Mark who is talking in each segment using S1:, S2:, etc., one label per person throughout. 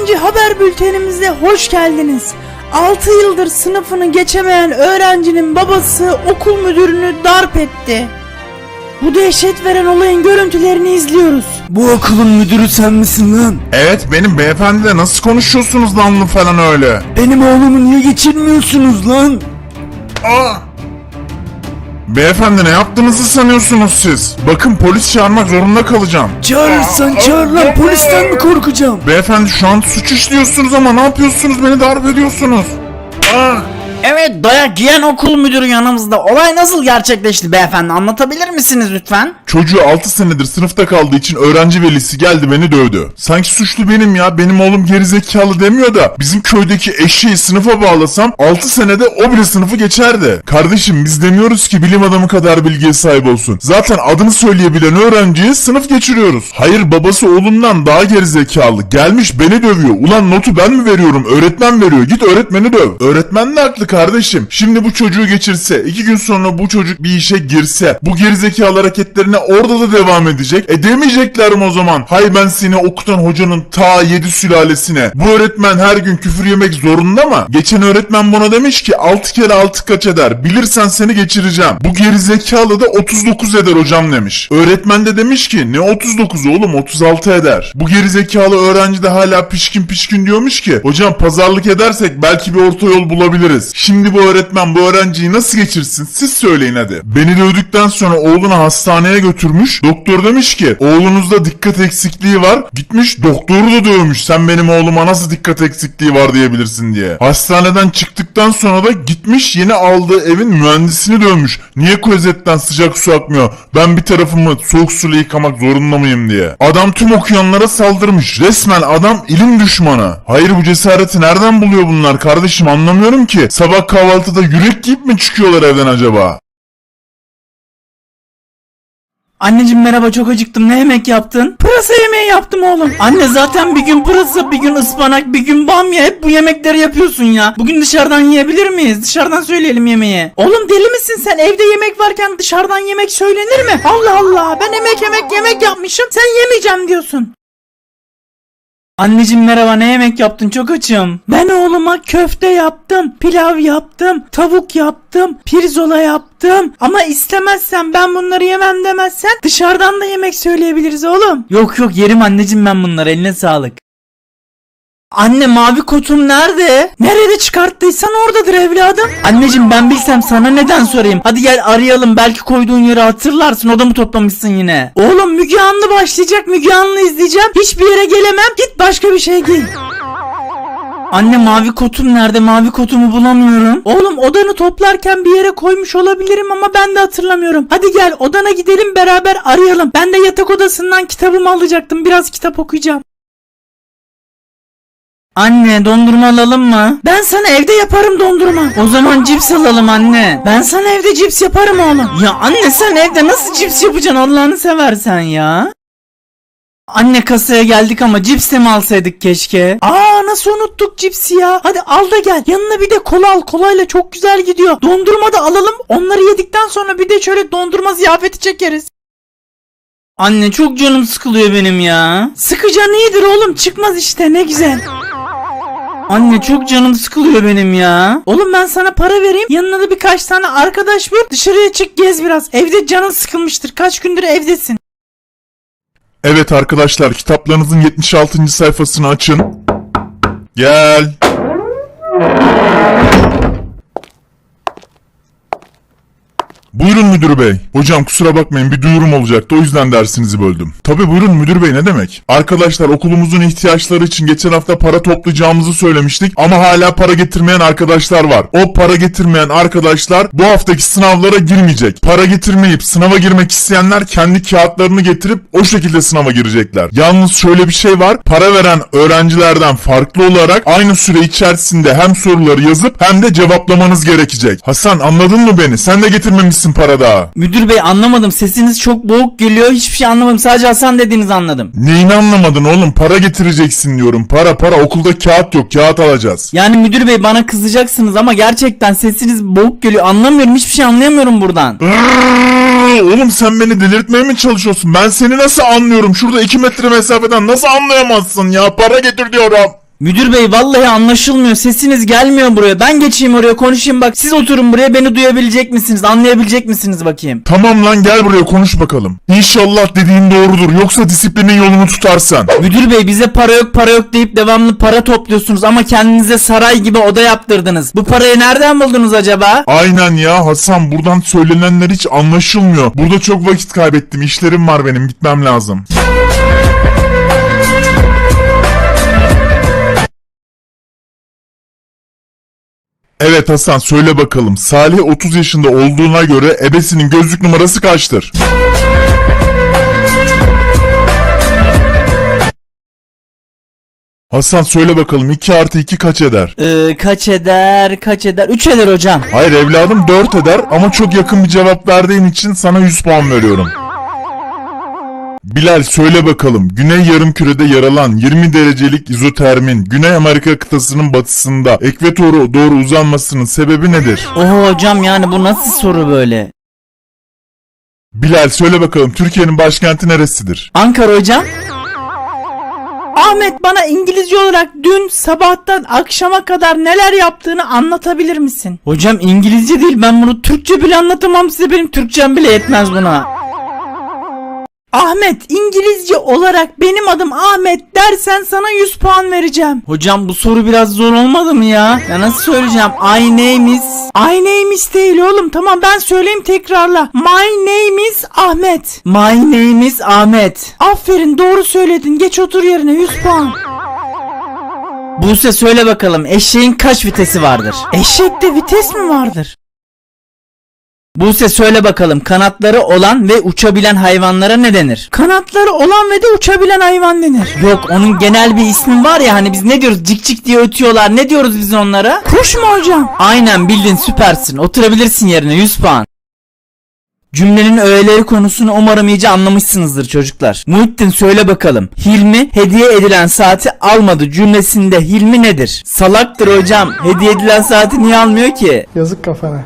S1: ikinci haber bültenimize hoş geldiniz. 6 yıldır sınıfını geçemeyen öğrencinin babası okul müdürünü darp etti. Bu dehşet veren olayın görüntülerini izliyoruz.
S2: Bu okulun müdürü sen misin lan?
S3: Evet benim beyefendi, de nasıl konuşuyorsunuz lanlı falan öyle?
S2: Benim oğlumu niye geçirmiyorsunuz lan?
S3: Aa! Beyefendi ne yaptığınızı sanıyorsunuz siz? Bakın polis çağırmak zorunda kalacağım.
S2: Çağırırsan çağır lan, polisten mi korkacağım?
S3: Beyefendi şu an suç işliyorsunuz ama ne yapıyorsunuz, beni darp ediyorsunuz. Aa!
S1: Evet, dayak yiyen okul müdürü yanımızda. Olay nasıl gerçekleşti beyefendi, anlatabilir misiniz lütfen?
S3: Çocuğu 6 senedir sınıfta kaldığı için öğrenci velisi geldi beni dövdü. Sanki suçlu benim ya, benim oğlum gerizekalı demiyor da bizim köydeki eşeği sınıfa bağlasam 6 senede o bile sınıfı geçerdi. Kardeşim biz demiyoruz ki bilim adamı kadar bilgiye sahip olsun. Zaten adını söyleyebilen öğrenciye sınıf geçiriyoruz. Hayır, babası oğlundan daha gerizekalı. Gelmiş beni dövüyor. Ulan notu ben mi veriyorum? Öğretmen veriyor. Git öğretmeni döv. Öğretmen de haklı kardeşim. Şimdi bu çocuğu geçirse, 2 gün sonra bu çocuk bir işe girse, bu gerizekalı hareketlerine orada da devam edecek. Demeyecekler mi o zaman? Hay ben seni okutan hocanın ta 7 sülalesine. Bu öğretmen her gün küfür yemek zorunda mı? Geçen öğretmen buna demiş ki 6 kere 6 kaç eder? Bilirsen seni geçireceğim. Bu gerizekalı da 39 eder hocam demiş. Öğretmen de demiş ki ne 39 oğlum, 36 eder. Bu gerizekalı öğrenci de hala pişkin diyormuş ki hocam pazarlık edersek belki bir orta yol bulabiliriz. Şimdi bu öğretmen bu öğrenciyi nasıl geçirsin? Siz söyleyin hadi. Beni dövdükten sonra oğlunu hastaneye götürmüş. Doktor demiş ki oğlunuzda dikkat eksikliği var. Gitmiş doktoru da dövmüş. Sen benim oğluma nasıl dikkat eksikliği var diyebilirsin diye. Hastaneden çıktıktan sonra da gitmiş yeni aldığı evin mühendisini dövmüş. Niye klozetten sıcak su akmıyor? Ben bir tarafımı soğuk suyla yıkamak zorunda mıyım diye. Adam tüm okuyanlara saldırmış. Resmen adam ilim düşmanı. Hayır, bu cesareti nereden buluyor bunlar kardeşim, anlamıyorum ki. Sabah kahvaltıda yürek giyip mi çıkıyorlar evden acaba?
S1: Anneciğim merhaba, çok acıktım, ne yemek yaptın? Pırasa yemeği yaptım oğlum. Anne zaten bir gün pırasa, bir gün ıspanak, bir gün bamya, hep bu yemekleri yapıyorsun ya. Bugün dışarıdan yiyebilir miyiz? Dışarıdan söyleyelim yemeği. Oğlum deli misin sen? Evde yemek varken dışarıdan yemek söylenir mi? Allah Allah, ben yemek yapmışım, sen yemeyeceğim diyorsun. Anneciğim merhaba, ne yemek yaptın? Çok açım. Ben oğluma köfte yaptım, pilav yaptım, tavuk yaptım, pirzola yaptım. Ama istemezsen, ben bunları yemem demezsen dışarıdan da yemek söyleyebiliriz oğlum. Yok yerim anneciğim ben bunları, eline sağlık. Anne mavi kotum nerede? Nerede çıkarttıysan oradadır evladım. Anneciğim ben bilsem sana neden sorayım? Hadi gel arayalım, belki koyduğun yeri hatırlarsın, odamı toplamışsın yine. Oğlum Müge Anlı başlayacak, Müge Anlı izleyeceğim. Hiçbir yere gelemem, git başka bir şey giy. Anne mavi kotum nerede? Mavi kotumu bulamıyorum. Oğlum odanı toplarken bir yere koymuş olabilirim ama ben de hatırlamıyorum. Hadi gel odana gidelim, beraber arayalım. Ben de yatak odasından kitabımı alacaktım, biraz kitap okuyacağım. Anne dondurma alalım mı? Ben sana evde yaparım dondurma. O zaman cips alalım anne. Ben sana evde cips yaparım oğlum. Ya anne sen evde nasıl cips yapacaksın Allah'ını seversen ya? Anne kasaya geldik ama cips de mi alsaydık keşke? Nasıl unuttuk cipsi ya? Hadi al da gel. Yanına bir de kola al. Kolayla çok güzel gidiyor. Dondurma da alalım. Onları yedikten sonra bir de şöyle dondurma ziyafeti çekeriz. Anne çok canım sıkılıyor benim ya. Sıkıcan iyidir oğlum, çıkmaz işte, ne güzel. Anne çok canım sıkılıyor benim ya. Oğlum ben sana para vereyim, yanına da birkaç tane arkadaş bul, dışarıya çık gez biraz. Evde canın sıkılmıştır, kaç gündür evdesin.
S3: Evet arkadaşlar, kitaplarınızın 76. sayfasını açın. Gel. Buyurun müdür bey. Hocam kusura bakmayın, bir duyurum olacaktı, o yüzden dersinizi böldüm. Tabi buyurun müdür bey, ne demek? Arkadaşlar okulumuzun ihtiyaçları için geçen hafta para toplayacağımızı söylemiştik ama hala para getirmeyen arkadaşlar var. O para getirmeyen arkadaşlar bu haftaki sınavlara girmeyecek. Para getirmeyip sınava girmek isteyenler kendi kağıtlarını getirip o şekilde sınava girecekler. Yalnız şöyle bir şey var, para veren öğrencilerden farklı olarak aynı süre içerisinde hem soruları yazıp hem de cevaplamanız gerekecek. Hasan anladın mı beni? Sen de getirmemişsin para daha.
S1: Müdür bey anlamadım, sesiniz çok boğuk geliyor, hiçbir şey anlamadım, sadece Hasan dediğinizi anladım.
S3: Neyini anlamadın oğlum? Para getireceksin diyorum, para, okulda kağıt yok, kağıt alacağız.
S1: Yani müdür bey bana kızacaksınız ama gerçekten sesiniz boğuk geliyor, anlamıyorum, hiçbir şey anlayamıyorum buradan.
S3: Oğlum sen beni delirtmeye mi çalışıyorsun? Ben seni nasıl anlıyorum? Şurada 2 metre mesafeden nasıl anlayamazsın ya? Para getir diyorum.
S1: Müdür bey vallahi anlaşılmıyor. Sesiniz gelmiyor buraya. Ben geçeyim oraya konuşayım bak. Siz oturun buraya, beni duyabilecek misiniz? Anlayabilecek misiniz bakayım?
S3: Tamam lan, gel buraya konuş bakalım. İnşallah dediğin doğrudur, yoksa disiplinin yolunu tutarsan.
S1: Müdür bey bize para yok deyip devamlı para topluyorsunuz ama kendinize saray gibi oda yaptırdınız. Bu parayı nereden buldunuz acaba?
S3: Aynen ya Hasan, buradan söylenenler hiç anlaşılmıyor. Burada çok vakit kaybettim, işlerim var benim, gitmem lazım. Evet Hasan, söyle bakalım. Salih 30 yaşında olduğuna göre ebesinin gözlük numarası kaçtır? Hasan söyle bakalım, 2 artı 2 kaç eder?
S1: Kaç eder? 3 eder hocam.
S3: Hayır evladım, 4 eder ama çok yakın bir cevap verdiğin için sana 100 puan veriyorum. Bilal söyle bakalım, Güney Yarımküre'de yer alan 20 derecelik izotermin Güney Amerika kıtasının batısında ekvatora doğru uzanmasının sebebi nedir?
S1: Oho hocam, yani bu nasıl soru böyle?
S3: Bilal söyle bakalım, Türkiye'nin başkenti neresidir?
S1: Ankara hocam. Ahmet, bana İngilizce olarak dün sabahtan akşama kadar neler yaptığını anlatabilir misin? Hocam İngilizce değil, ben bunu Türkçe bile anlatamam size, benim Türkçem bile yetmez buna. Ahmet, İngilizce olarak benim adım Ahmet dersen sana 100 puan vereceğim. Hocam bu soru biraz zor olmadı mı ya? Ya nasıl söyleyeceğim? I name is değil oğlum. Tamam ben söyleyeyim, tekrarla. My name is Ahmet. My name is Ahmet. Aferin, doğru söyledin. Geç otur yerine, 100 puan. Buse söyle bakalım, eşeğin kaç vitesi vardır? Eşekte vites mi vardır? Buse söyle bakalım, kanatları olan ve uçabilen hayvanlara ne denir? Kanatları olan ve de uçabilen hayvan denir. Yok, onun genel bir ismi var ya, hani biz ne diyoruz, cik cik diye ötüyorlar, ne diyoruz biz onlara? Kuş mu hocam? Aynen bildin, süpersin, oturabilirsin yerine, 100 puan. Cümlenin öğeleri konusunu umarım iyice anlamışsınızdır çocuklar. Muhittin söyle bakalım, Hilmi hediye edilen saati almadı cümlesinde Hilmi nedir? Salaktır hocam, hediye edilen saati niye almıyor ki?
S4: Yazık kafana.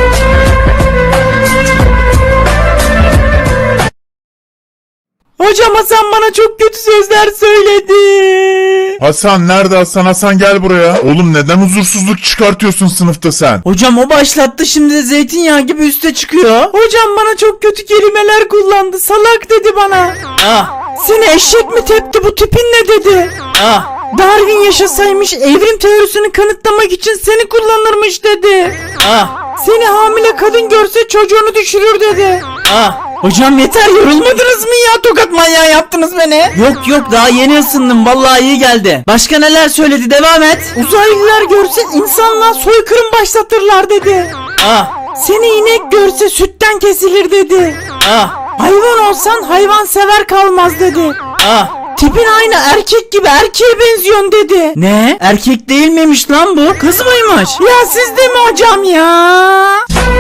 S1: Hocam Hasan bana çok kötü sözler söyledi.
S3: Hasan nerede Hasan? Hasan gel buraya. Oğlum neden huzursuzluk çıkartıyorsun sınıfta sen?
S1: Hocam o başlattı, şimdi de zeytinyağı gibi üste çıkıyor. Hocam bana çok kötü kelimeler kullandı. Salak dedi bana. Ah. Seni eşek mi tepti, bu tipin ne dedi? Ah. Darwin yaşasaymış evrim teorisini kanıtlamak için seni kullanırmış dedi. Ah. Seni hamile kadın görse çocuğunu düşürür dedi. Ah. Hocam yeter, yorulmadınız mı ya? Tokat manyağı yaptınız beni. Yok daha yeni ısındım, vallahi iyi geldi. Başka neler söyledi, devam et. Uzaylılar görse insanlığa soykırım başlatırlar dedi. Ah. Seni inek görse sütten kesilir dedi. Ah. Hayvan olsan hayvan sever kalmaz dedi. Ah. Tipin aynı erkek gibi, erkeğe benziyorsun dedi. Ne? Erkek değil miymiş lan bu? Kız mıymış? Ya siz de mi hocam ya?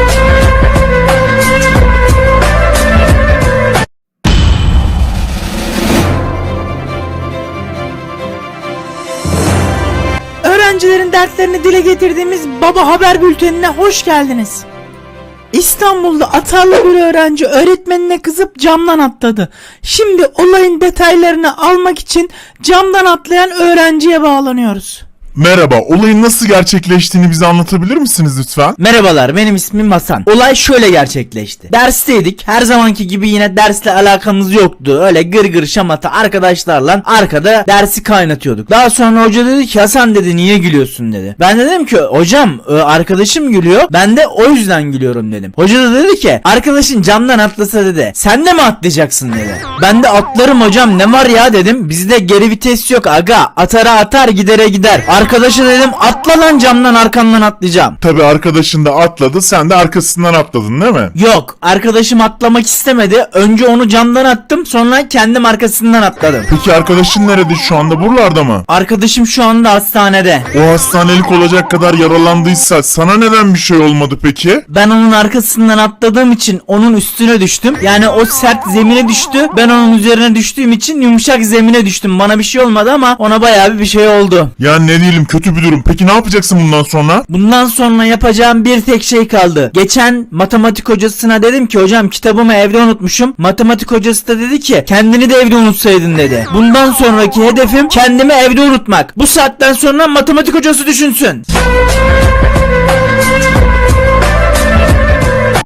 S1: Öğrencilerin dertlerini dile getirdiğimiz Baba Haber Bülteni'ne hoş geldiniz. İstanbul'da atarlı bir öğrenci öğretmenine kızıp camdan atladı. Şimdi olayın detaylarını almak için camdan atlayan öğrenciye bağlanıyoruz.
S3: Merhaba, olayın nasıl gerçekleştiğini bize anlatabilir misiniz lütfen?
S1: Merhabalar, benim ismim Hasan. Olay şöyle gerçekleşti. Dersteydik. Her zamanki gibi yine dersle alakamız yoktu. Öyle gır şamata arkadaşlarla arkada dersi kaynatıyorduk. Daha sonra hoca dedi ki, Hasan dedi, niye gülüyorsun dedi. Ben de dedim ki, hocam arkadaşım gülüyor, ben de o yüzden gülüyorum dedim. Hoca da dedi ki, arkadaşın camdan atlasa dedi, sen de mi atlayacaksın dedi. Ben de atlarım hocam, ne var ya dedim. Bizde geri vites yok aga, atara atar gidere gider. Arkadaşa dedim, atla lan camdan, arkandan atlayacağım.
S3: Tabi arkadaşın da atladı, sen de arkasından atladın değil mi?
S1: Yok, arkadaşım atlamak istemedi. Önce onu camdan attım, sonra kendim arkasından atladım.
S3: Peki arkadaşın nerede şu anda, buralarda mı?
S1: Arkadaşım şu anda hastanede.
S3: O hastanelik olacak kadar yaralandıysa sana neden bir şey olmadı peki?
S1: Ben onun arkasından atladığım için onun üstüne düştüm. Yani o sert zemine düştü, ben onun üzerine düştüğüm için yumuşak zemine düştüm. Bana bir şey olmadı ama ona bayağı bir şey oldu.
S3: Ya ne diyeyim değilim, kötü bir durum. Peki ne yapacaksın bundan sonra?
S1: Bundan sonra yapacağım bir tek şey kaldı. Geçen matematik hocasına dedim ki hocam kitabımı evde unutmuşum. Matematik hocası da dedi ki kendini de evde unutsaydın dedi. Bundan sonraki hedefim kendimi evde unutmak. Bu saatten sonra matematik hocası düşünsün.